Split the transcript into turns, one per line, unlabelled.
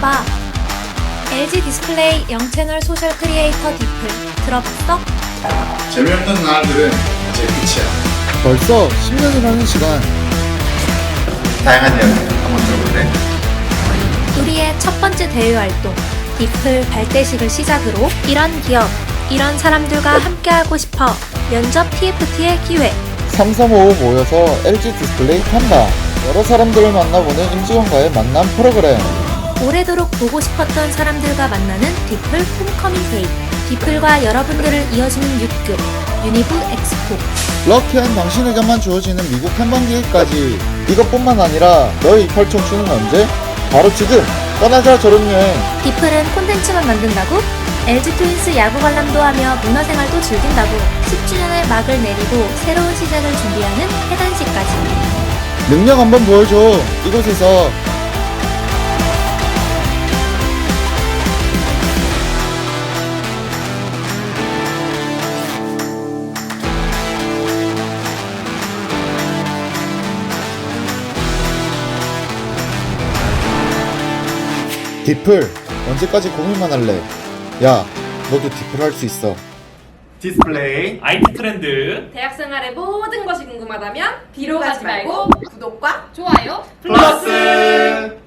봐. LG 디스플레이 0채널 소셜 크리에이터 디플 들어봤어?
재미없는 날들은 이제 끝이야.
벌써 10년이라는 시간.
다양한 이야기 한번 들어볼래?
우리의 첫 번째 대외 활동 디플 발대식을 시작으로 이런 기업, 이런 사람들과 함께하고 싶어 면접 TFT의 기회.
335 모여서 LG 디스플레이 한다. 여러 사람들을 만나보는 임직원과의 만남 프로그램.
오래도록 보고 싶었던 사람들과 만나는 디플 홈커밍 데이. 디플과 여러분들을 이어주는 6급 유니브 엑스포.
럭키한 당신에게만 주어지는 미국 탐방기회까지. 이것뿐만 아니라 너의 이팔 청춘은 언제? 바로 지금! 떠나자 졸업여행.
디플은 콘텐츠만 만든다고? LG 트윈스 야구 관람도 하며 문화생활도 즐긴다고 10주년의 막을 내리고 새로운 시작을 준비하는 해단식까지.
능력 한번 보여줘. 이곳에서. 디플, 언제까지 고민만 할래? 야, 너도 디플 할 수 있어.
디스플레이
IT 트렌드
대학 생활의 모든 것이 궁금하다면 뒤로 가지 말고 구독과
좋아요.
플러스